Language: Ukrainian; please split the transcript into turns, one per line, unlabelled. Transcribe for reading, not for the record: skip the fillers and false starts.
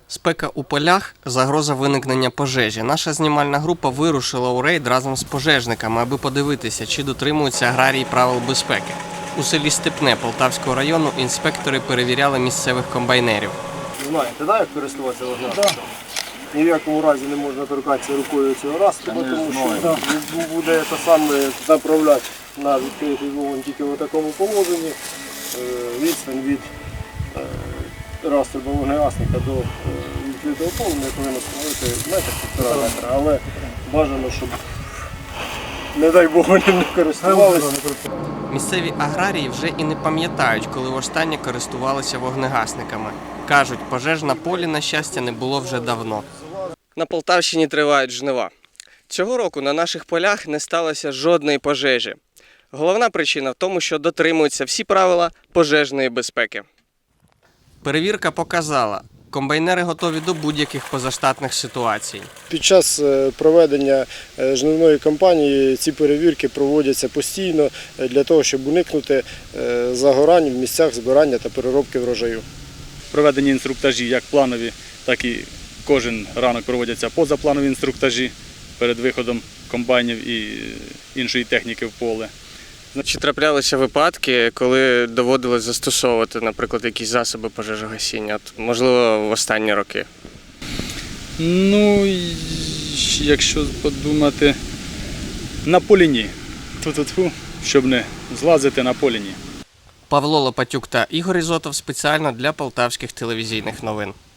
Спека у полях – загроза виникнення пожежі. Наша знімальна група вирушила у рейд разом з пожежниками, аби подивитися, чи дотримуються аграрії правил безпеки. У селі Степне Полтавського району інспектори перевіряли місцевих комбайнерів.
Знаєте, як користуватися вогнегасником? Ні в якому разі не можна торкатися рукою цього розстрілу, тому що буде направляти на відкритий вогонь тільки в такому положенні. Відстань від розстрілу вогнегасника до відкритого полум'я повинна становити метр-1,5 метра, але бажано, щоб, не дай Бог, вони не користувалися.
Місцеві аграрії вже і не пам'ятають, коли востаннє користувалися вогнегасниками. Кажуть, пожеж на полі, на щастя, не було вже давно. На Полтавщині тривають жнива. Цього року на наших полях не сталося жодної пожежі. Головна причина в тому, що дотримуються всі правила пожежної безпеки. Перевірка показала, комбайнери готові до будь-яких позаштатних ситуацій.
Під час проведення жнивної кампанії ці перевірки проводяться постійно для того, щоб уникнути загорань в місцях збирання та переробки врожаю.
Проведені інструктажі як планові, так і кожен ранок проводяться позапланові інструктажі перед виходом комбайнів і іншої техніки в поле.
Чи траплялися випадки, коли доводилось застосовувати, наприклад, якісь засоби пожежогасіння, можливо, в останні роки?
Ну, якщо подумати, на полі ні. Щоб не злазити на полі ні.
Павло Лопатюк та Ігор Ізотов спеціально для полтавських телевізійних новин.